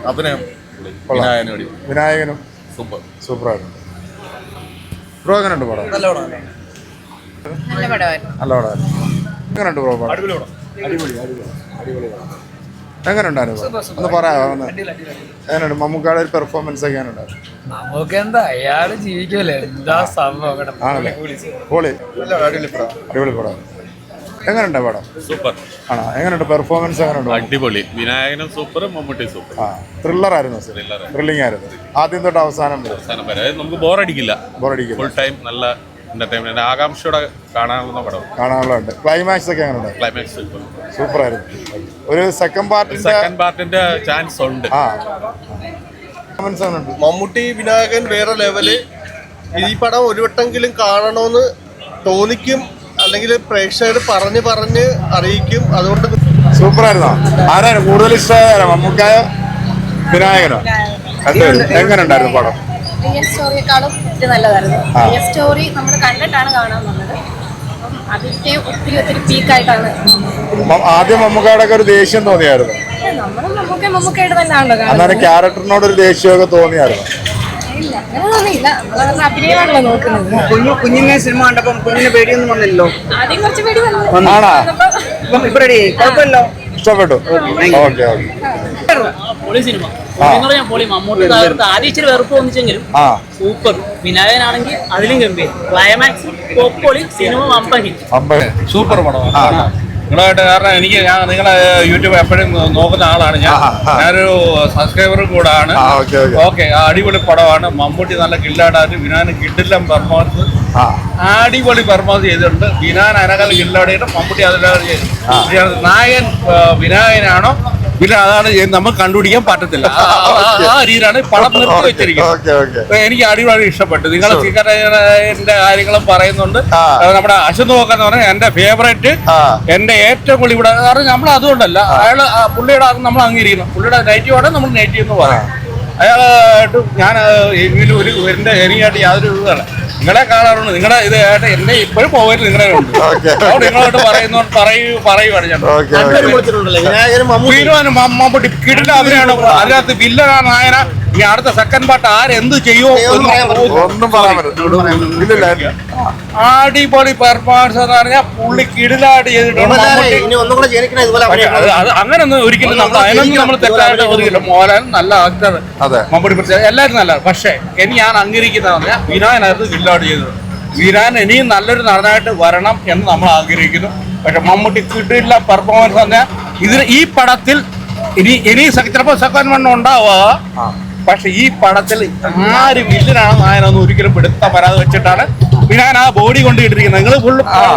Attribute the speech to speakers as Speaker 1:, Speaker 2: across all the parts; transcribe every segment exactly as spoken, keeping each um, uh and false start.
Speaker 1: അഭിനയം
Speaker 2: വിനായകനും
Speaker 1: സൂപ്പർ
Speaker 2: സൂപ്പറായിട്ടുണ്ട്. ബ്രോ എങ്ങനെയുണ്ട് പടം?
Speaker 3: നല്ല പടമായിരുന്നു.
Speaker 2: നല്ല പടമായിരുന്നു. എങ്ങനെയുണ്ട് ബ്രോ പടം?
Speaker 3: അടിപൊളി പടം.
Speaker 2: അടിപൊളി അടിപൊളി അടിപൊളി പടം. എങ്ങനെയുണ്ടായിരുന്നു? ഒന്ന് പറയാമോ? ഒന്ന് എങ്ങനെയുണ്ട് മമ്മൂക്കാടെ ഒരു പെർഫോമൻസ് ഒക്കെ എങ്ങനെയുണ്ടായിരുന്നു?
Speaker 3: നമുക്ക് എന്താ അയാള് ജീവിക്കല്ലേ, എന്താ സംഭവം.
Speaker 2: ആണല്ലേ? പൊളി. അടിപൊളി പടം. എങ്ങനെയുണ്ട് പടം?
Speaker 1: സൂപ്പർ
Speaker 2: ആണോ? എങ്ങനെയുണ്ട് പെർഫോമൻസ്? എങ്ങനെയുണ്ട്?
Speaker 1: അടിപൊളി. വിനായകനും സൂപ്പർ, മമ്മൂട്ടി സൂപ്പർ.
Speaker 2: ആ ത്രില്ലർ ആയിരുന്നു. ത്രില്ലിംഗ് ആയിരുന്നു ആദ്യം തൊട്ട് അവസാനം വരെ.
Speaker 1: നമുക്ക് ബോറടിക്കില്ല.
Speaker 2: ബോറടിക്കില്ല.
Speaker 1: ഫുൾ ടൈം നല്ല എന്റർടൈൻമെന്റ്, ആകാംക്ഷയോടെ കാണാവുന്ന പടം.
Speaker 2: കാണാനുള്ളത്. ക്ലൈമാക്സ് ഒക്കെ എങ്ങനെയുണ്ട്?
Speaker 1: ക്ലൈമാക്സ്
Speaker 2: സൂപ്പർ ആയിരുന്നു. ഒരു സെക്കൻഡ് പാർട്ടിന്റെ
Speaker 1: സെക്കൻഡ് പാർട്ടിന്റെ ചാൻസ് ഉണ്ട്.
Speaker 2: ആ
Speaker 4: മമ്മൂട്ടി വിനായകൻ വേറെ ലെവല്. ഈ പടം ഒരു വട്ടെങ്കിലും കാണണമെന്ന് തോന്നിക്കും, അല്ലെങ്കിൽ പ്രേക്ഷകർ പറഞ്ഞ് പറഞ്ഞ് അറിയിക്കും. അതുകൊണ്ട്
Speaker 2: സൂപ്പർ ആയിരുന്നോ? ആരാണ് കൂടുതൽ ഇഷ്ടമായോ, മമ്മൂക്കായോ വിനായകനോ? എങ്ങനെ ഉണ്ടായിരുന്നു പടം?
Speaker 5: റിയൽ സ്റ്റോറിയെക്കാളും ഇത് നല്ലതായിരുന്നു. റിയൽ സ്റ്റോറി നമ്മൾ കണ്ടിട്ടാണ് കാണാൻ വന്നത്. അപ്പം അതിന്റെ ഒത്തിരി ഒത്തിരി പീക്കായിട്ടാണ്.
Speaker 2: ആദ്യം മമ്മൂക്കായുടെ ഒരു ദേഷ്യം തോന്നിയായിരുന്നു.
Speaker 5: നമ്മൾ മമ്മൂക്ക മമ്മൂക്കയുടെ തന്നെയാണല്ലോ കാണുന്നത്.
Speaker 2: അന്നേരം ക്യാരക്ടറിനോട് ഒരു ദേഷ്യമൊക്കെ തോന്നിയായിരുന്നു?
Speaker 5: ഇല്ല, അങ്ങനെ തോന്നിയില്ല. നമ്മളവരുടെ അഭിനയമാണല്ലോ നോക്കുന്നത്.
Speaker 3: കുഞ്ഞു കുഞ്ഞിനെ സിനിമ കണ്ടപ്പം കുഞ്ഞിന് പേടിയൊന്നും വന്നില്ലല്ലോ.
Speaker 5: ആദ്യം കുറച്ച് പേടി വന്നു.
Speaker 2: ആണോ?
Speaker 3: ഇപ്പൊ റെഡി, കുഴപ്പമില്ലോ.
Speaker 2: ഇഷ്ടപ്പെട്ടു. Okay okay.
Speaker 6: പൊളി സിനിമ എന്ന് പറഞ്ഞാൽ പൊളി. മമ്മൂട്ടി തകർത്ത് ആദ്യം ഇച്ചിരി വെറുപ്പ് തോന്നിച്ചെങ്കിലും സൂപ്പർ. വിനായകനാണെങ്കിൽ അതിലും ഗംഭീരം. ക്ലൈമാക്സ് പൊളി. സിനിമ വമ്പൻ ഹിറ്റ്.
Speaker 1: സൂപ്പർ പടമാണ്. നിങ്ങളായിട്ട് കാരണം എനിക്ക് ഞാൻ നിങ്ങളെ യൂട്യൂബ് എപ്പോഴും നോക്കുന്ന ആളാണ് ഞാൻ. ഞാനൊരു സബ്സ്ക്രൈബറും കൂടാണ്. ഓക്കെ, അടിപൊളി പടമാണ്. മമ്മൂട്ടി നല്ല കില്ലാടായിട്ട്, വിനായകൻ കിഡിലും പെർഫോമൻസ് അടിപൊളി പെർഫോമൻസ് ചെയ്തിട്ടുണ്ട്. വിനായകൻ അനകൽ കില്ലാടിയിട്ട് മമ്മൂട്ടി അതിലാണ് ചെയ്തത്. നായകൻ വിനായകനാണോ പിന്നെ അതാണ് നമുക്ക് കണ്ടുപിടിക്കാൻ പറ്റത്തില്ല. ആ രീതിയിലാണ് പടം നിർത്തി വെച്ചിരിക്കുന്നത്. എനിക്ക് അടിപൊളി ഇഷ്ടപ്പെട്ടു. നിങ്ങൾ സിഗരറ്റിന്റെ കാര്യങ്ങളും പറയുന്നുണ്ട്. നമ്മുടെ അശ്വന്ത് നോക്കാന്ന് പറഞ്ഞാൽ എന്റെ ഫേവറേറ്റ്, എന്റെ ഏറ്റവും കൂടുതൽ ഇവിടെ കാരണം നമ്മൾ അതുകൊണ്ടല്ല, അയാള് പുള്ളിയുടെ അത് നമ്മൾ അംഗീകരിക്കണം. പുള്ളിയുടെ നെഗറ്റീവാണ് നമ്മൾ നെഗറ്റീവ് എന്ന് പറയാം. അയാളായിട്ട് ഞാൻ ഒരു എന്റെ എനിക്കായിട്ട് യാതൊരു ഇതല്ല. നിങ്ങളെ കാണാറുണ്ട്. നിങ്ങളുടെ ഇത് ആയിട്ട് എന്നെ ഇപ്പോഴും പോകരുത്. നിങ്ങളെ ഉണ്ട് നിങ്ങളോട്ട് പറയുന്ന പറയൂ പറയുവാണ് ഞാൻ. മമ്മൂട്ടി കിടില അവരാണ്. അതിനകത്ത് വില്ലനാ നായന. ഈ അടുത്ത സെക്കൻഡ് പാർട്ട് ആരെന്ത് ചെയ്യുമോ
Speaker 2: ഒന്നും പറയാൻ പറ്റില്ല.
Speaker 1: അടിപൊളി പെർഫോമൻസ് എന്ന് പറഞ്ഞാൽ പുള്ളി കിടിലായിട്ട് ചെയ്തിട്ടുണ്ട്. അങ്ങനൊന്നും ഒരിക്കലും നമ്മൾ അതിനൊന്നും നമ്മൾ തെറ്റായിട്ട് ഒതുക്കില്ല. മോഹൻലാൽ നല്ല ആക്ടർ, മമ്മൂട്ടി പ്രത്യേകം എല്ലാവരും നല്ല. പക്ഷേ എനിക്ക് ഞാൻ അംഗീകരിക്കുന്ന പറഞ്ഞാൽ വിനായനായിരുന്നു കിടിലായിട്ട് ചെയ്തത്. വിനായൻ ഇനിയും നല്ലൊരു നടനായിട്ട് വരണം എന്ന് നമ്മൾ ആഗ്രഹിക്കുന്നു. പക്ഷെ മമ്മൂട്ടി കിടില പെർഫോമൻസ് പറഞ്ഞാൽ ഇതിന് ഈ പടത്തിൽ ഇനി ഇനി ചിലപ്പോൾ സെക്കൻഡ് വൺ ഉണ്ടാവുക. പക്ഷെ ഈ പടത്തിൽ ആര് വില്ലനാണ് നായനൊന്നും ഒരിക്കലും പിടുത്ത വരാതെ വെച്ചിട്ടാണ് വിനായൻ ആ ബോഡി കൊണ്ട് ഇട്ടിരിക്കുന്നത്. നിങ്ങൾ ഫുള്ള്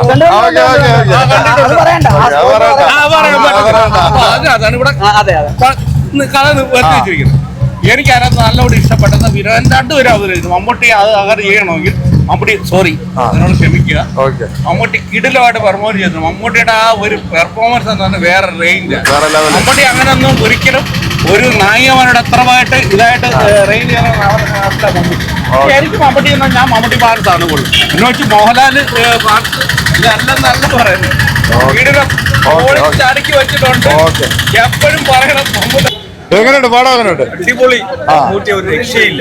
Speaker 1: അതാണ് ഇവിടെ കഥ വരുത്തി വെച്ചിരിക്കുന്നത്. എനിക്ക് അതിനകത്ത് നല്ലോണം ഇഷ്ടപ്പെട്ടത് വിനായൻ രണ്ടുപേരും അവതരിച്ചു. മമ്മൂട്ടി അത് അങ്ങനെ ചെയ്യണമെങ്കിൽ മമ്മൂട്ടി സോറി അതിനോട് ക്ഷമിക്കുക. മമ്മൂട്ടി കിടിലമായിട്ട് പെർഫോമൻസ് ചെയ്തു. മമ്മൂട്ടിയുടെ ആ ഒരു പെർഫോമൻസ് എന്ന് പറഞ്ഞാൽ വേറെ റേഞ്ച്. മമ്മൂട്ടി അങ്ങനെയൊന്നും ഒരിക്കലും ഒരു നായികമാരുടെ അത്രമായിട്ട് ഇതായിട്ട് റേഞ്ച് ചെയ്യാൻ മമ്മൂട്ടി. എനിക്ക് മമ്മൂട്ടി എന്നാൽ ഞാൻ മമ്മൂട്ടി പാർട്സ് ആണ് കൂടുതൽ. എന്നെ വെച്ച് മോഹൻലാൽ പാർട്സ് ഇതെല്ലാം നല്ല പറയുന്നത്. കിടിലം ചടക്കി വെച്ചിട്ടുണ്ട്. എപ്പോഴും പറയണം മമ്മൂട്ടി.
Speaker 2: എങ്ങനെയുണ്ട് പടം? എങ്ങനെയുണ്ട്?
Speaker 1: അടിപൊളി. മമ്മൂട്ടി ഒരു രക്ഷയില്ല.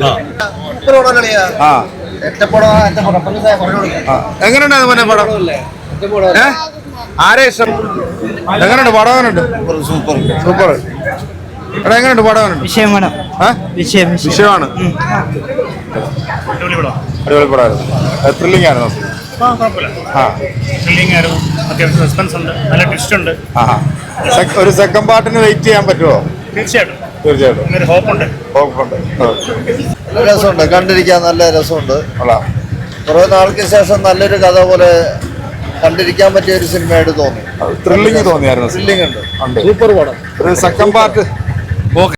Speaker 2: എങ്ങനെയുണ്ടായിരുന്നു പടം? ആരെ ഇഷ്ടം? എങ്ങനെയുണ്ട് പടം? എങ്ങനെയുണ്ട്? Super super. എടാ എങ്ങനെയുണ്ട് പടം? എങ്ങനെയുണ്ട്?
Speaker 3: വിഷയമാണ്.
Speaker 2: വിഷയമാണ്. അടിപൊളി പടമായിരുന്നു. ത്രില്ലിംഗ് ആയിരുന്നു.
Speaker 7: അത്യാവശ്യം സസ്പെൻസ് ഉണ്ട്, നല്ല ട്വിസ്റ്റ് ഉണ്ട്.
Speaker 2: ഒരു സെക്കൻഡ് പാർട്ടിന് വെയിറ്റ് ചെയ്യാൻ പറ്റുമോ?
Speaker 7: തീർച്ചയായിട്ടും
Speaker 2: തീർച്ചയായിട്ടും
Speaker 7: ഹോപ്പുണ്ട്.
Speaker 2: ഹോപ്പുണ്ട്.
Speaker 4: രസമുണ്ട്, കണ്ടിരിക്കാൻ നല്ല രസമുണ്ട്. കുറെ നാൾക്ക് ശേഷം നല്ലൊരു കഥ പോലെ കണ്ടിരിക്കാൻ പറ്റിയ ഒരു സിനിമയായിട്ട് തോന്നി.
Speaker 2: ത്രില്ലിംഗ് തോന്നിയായിരുന്നു.
Speaker 4: ത്രില്ലിംഗ് ഉണ്ട്.
Speaker 2: സൂപ്പർ പടം. ഒരു സെക്കൻഡ് പാർട്ട്